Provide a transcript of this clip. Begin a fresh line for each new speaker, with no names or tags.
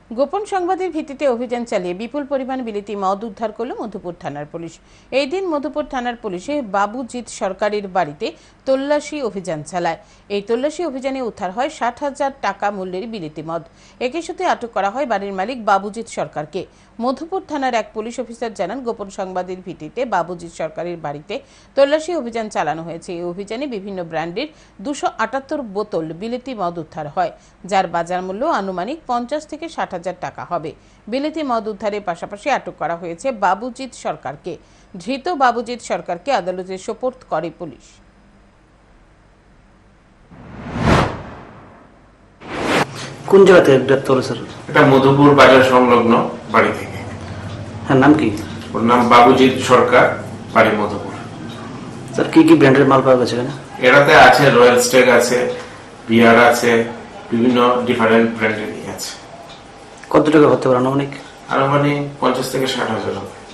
গোপন সংবাদের ভিত্তিতে অভিযান চালিয়ে বিপুল পরিমাণ বিলিতি মদ উদ্ধার করল মধুপুর থানার পুলিশ। এই দিন মধুপুর থানার পুলিশে বাবুজিৎ সরকারের বাড়িতে তল্লাশি অভিযান চালায়। এই তল্লাশি অভিযানে উদ্ধার হয় 60,000 টাকা মূল্যের বিলিতি মদ। একই সাথে আটক করা হয় বাড়ির মালিক বাবুজিৎ সরকারকে। মধুপুর থানার এক পুলিশ অফিসার জানান, গোপন সংবাদের ভিত্তিতে বাবুজিৎ সরকারের বাড়িতে তল্লাশি অভিযান চালানো হয়েছে। এই অভিযানে বিভিন্ন ব্র্যান্ডের 278 বোতল বিলিতি মদ উদ্ধার হয়, যার বাজার মূল্য আনুমানিক 50 থেকে 60,000 টাকা হবে। বিলিতি মদ উদ্ধারের পাশাপাশি আটক করা হয়েছে বাবুজিৎ সরকারকে। ধৃত বাবুজিৎ সরকারকে আদালতে সোপর্দ করে পুলিশ।
কোন জায়গা থেকে গ্রেপ্তার হলো স্যার?
এটা মধুপুর বাজার সংলগ্ন বাড়ি থেকে।
হ্যাঁ, নাম কি?
ওর নাম বাবুজিৎ সরকার, বাড়ি মধুপুর।
স্যার কি কি ব্র্যান্ডের মাল পাওয়া গেছে এখানে?
এটাতে আছে রয়্যাল স্টেক আছে, বিয়ার আছে, বিভিন্ন ডিফারেন্ট ব্র্যান্ডেরই আছে।
কত টাকা হতে পারে আনুমানিক?
আনুমানিক 50 থেকে 60,000 হবে।